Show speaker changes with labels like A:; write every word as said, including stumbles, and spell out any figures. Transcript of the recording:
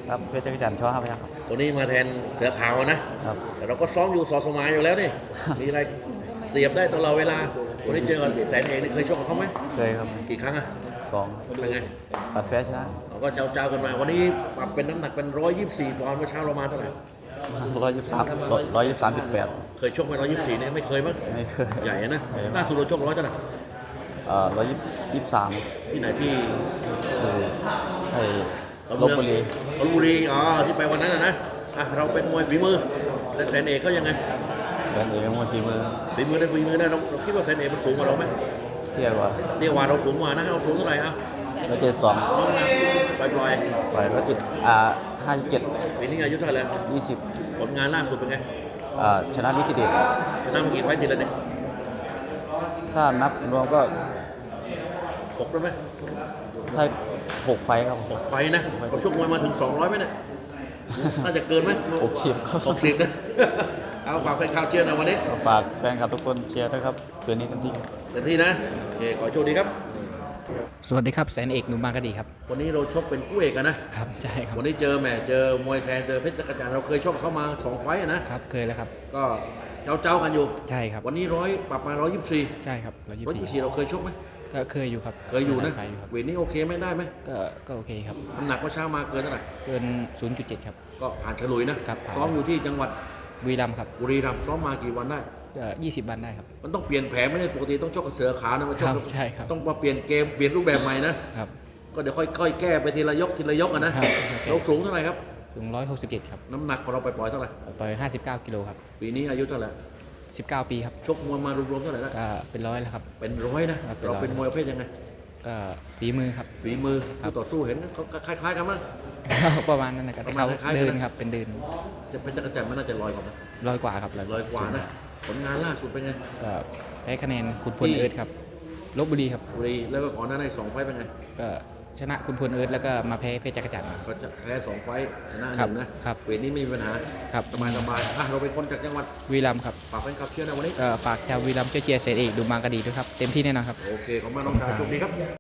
A: ครับเพชรจักรจันทร์ช่อห้าพยัคฆ์ครับ
B: ตัวนี้มาแทนเสือขาวนะครับแต่เราก็ซ้อมอยู่สอสมายอยู่แล้วนี่ มีอะไรเสียบได้ตลอดเวลาวันนี้เจอกับแสนเอกนี่เคยชกกับเขาไหม
A: เคยครับ
B: กี่ครั้งอะ
A: สอง
B: เป็นไง
A: ปัดแพ้ชนะ
B: เราก็เจ้าๆกันมาวันนี้ปรับเป็นน้ำหนักเป็นร้อยยี่สิบสี่ปอนด์เมื่อเช้าเรามาเท่าไหร่
A: ร้อยยี่สิบสามร้อยยี่สิบสามจุดแปด
B: เคยชกไหมร้อยยี่สิบสี่เนี่ยไม่เคยมั้ง
A: ไม่เคย
B: ใหญ่นะล่าสุดเราชกร้อยเท่าไหร่
A: เอ่อร้อยยี่สิบสาม
B: ที่ไหนที่
A: ไอ้ลบบุรี
B: ลพบุรีอ๋อที่ไปวันนั้นนะนะอ่ะเราเป็นมวยฝีมือแต่แสนเอกเขายังไง
A: แสนเอกมวยฝีมือ
B: ฝีมือได้ฝีมือได้เราเราคิดว่าแสนเอกมันสูงกว่าเราไหม
A: เที่ยวกว่า
B: เรียกว่าเราสูงกว่านะเราสูงเท่าไหร่อ่ะ
A: ร้อยเจ็ดสิบสอง
B: น้องนะปล่อยปล่อย
A: ปล่อยร้อยเจ็ดอ่าห้าสิบเจ็ด
B: ปีนี้อายุเท่าไหร่แล้ว
A: ยี่สิบ
B: ผลงานล่าสุดเป็นไง
A: อ่าชนะนิติเดช
B: ชนะเมื่อกี้ไฟติดแล้วเนี่ย
A: ถ้านับรวมก็
B: หกได้ไหม
A: ถ้าหกไฟครับ
B: หกไฟนะเราชกมวยมาถึงสองร้อยไหมเนี่ยน่าจะเกินไหม
A: หกสิบ
B: หกสิบนะเอาฝากแฟนข่าวเชียร์นะวันนี้
A: ฝากแฟนคลับทุกคนเชียร์ด้วยครับเดือนนี้เต็มที่
B: เต็มที่นะโอเคขอโชคดีครับ
C: สวัสดีครับแสนเอกหนุ่มบางกะดีครับ
B: วันนี้เราชกเป็นคู่เอกนะครับ
C: ใช่ครับ
B: วันนี้เจอแหมเจอมวยแทนเจอเพชรจักรจันทร์เราเคยชกเข้ามาสองไฟต์นะครับ
C: เคยแล้วครับ
B: ก็เจ้าเจ้ากันอยู่
C: ใช่ครับ
B: วันนี้ร้อยปรับมาร้อยยี่สิบสี่
C: ใช่ครับร้อยยี่
B: ร้อยยี่สิบสี่เราเคยชกไหม
C: ก็เคยอยู่ครับ
B: เคยอยู่นะ
C: เคยอยู่ครับ
B: เวทนี้โอเคไหมได้ไหม
C: ก็ก็โอเคครับ
B: น้ำหนักว่าเช้ามาเกินเท่าไหร่
C: เกิน ศูนย์จุดเจ็ด ครับ
B: ก็ผ่านฉลุยนะครับซ้อมอยู่ที่จังหวัด
C: บุรีรัมย์ครับ
B: บุรีรัมย์ซ้อมมากี่วันได้
C: ก็ยี่สิบวันได้ครับ
B: มันต้องเปลี่ยนแผนไม่ได้ปกติต้องชกกับเสือขาวนะมาชก
C: ใช่ครับ
B: ต้องมาเปลี่ยนเกมเปลี่ยนรูปแบบใหม่นะครับก็เดี๋ยวค่อยๆแก้ไปทีละยกทีละยกกันนะเราสูงเท่าไหร่ครับ
C: สูงร้อยหกสิบเจ็ดครับ
B: น้ำหนักของเราไปปล่อยเท่าไหร่
C: ไปห้าสิบเก้ากิโลครับ
B: ปีนี้อายุเท่าไหร่
C: สิบเก้าปีครับ
B: ชกมวยมารวมๆเท่าไหร่แล้ว
C: ก็เป็นร้อยแล้วครับ
B: เป็นร้อยนะเราเป็นมวยประเภทยังไง
C: ก็ฝีมือครับ
B: ฝีมือคู่ต่อสู้เห็นเขาคล้ายๆกันมั้ง
C: ประมาณนั้นนะครับแต่เขาเดินครับเป็นเดิน
B: จะเป็นจักรจันทร์มันน่าจะลอยกว่านะ
C: ร้อยกว่าครับ
B: ลอยกว่านะผลงานล่าสุดเป็นไง
C: ก็แพ้คะแนนคุณพลเอิร์ธครับลบบุรีครับ
B: บุรีแล้วก็ก่อนหน้านั้นสองไฟเป็นไง
C: ก็ชนะคุณพลเอิร์ธแล้วก็มาแพ้เพชรจักรจันทร์
B: ก็จะแพ้สองไฟชนะหนึ่งนะครับเวทนี้ไม่มีปัญหา
C: ครับ
B: สบายสบายอ่ะเราเป็นคนจากจังหวัด
C: วีรัมครับ
B: ฝากแฟนคลับเชียร์นะวันนี้
C: ก็ฝากชาววีรัมเชียร์เสร็จอีกดูมังกรดีด้วยครับเต็มที่แน่นอนครับ
B: โอเคขอบคุณมากน้องชายโชคดีครับ